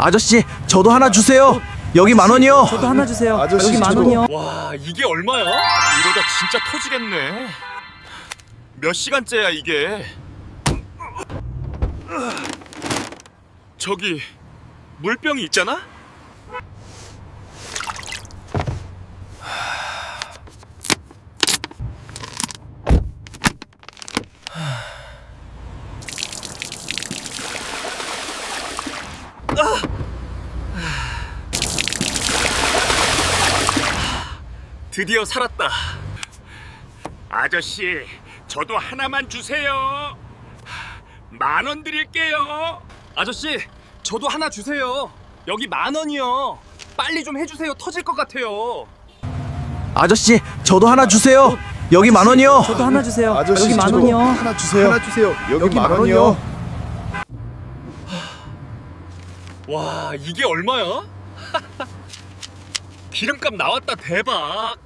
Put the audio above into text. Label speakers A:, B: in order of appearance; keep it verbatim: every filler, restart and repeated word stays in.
A: 아저씨, 저도 하나 주세요. 여기 만 원이요.
B: 저도 하나 주세요.
C: 아저씨,
B: 여기 만
C: 저도.
B: 원이요.
D: 와, 이게 얼마야? 이러다 진짜 터지겠네. 몇 시간째야 이게? 저기 물병이 있잖아? 드디어 살았다. 아저씨, 저도 하나만 주세요. 만 원 드릴게요. 아저씨, 저도 하나 주세요. 여기 만 원이요. 빨리 좀 해주세요. 터질 것 같아요.
A: 아저씨, 저도 하나 주세요. 여기 만 원이요.
B: 저도 하나 주세요.
C: 아저씨,
B: 여기 만
C: 저도
B: 원이요.
C: 하나 주세요. 하나 주세요. 여기,
B: 여기
C: 만
B: 만
C: 원이요.
D: 와, 이게 얼마야? 기름값 나왔다. 대박.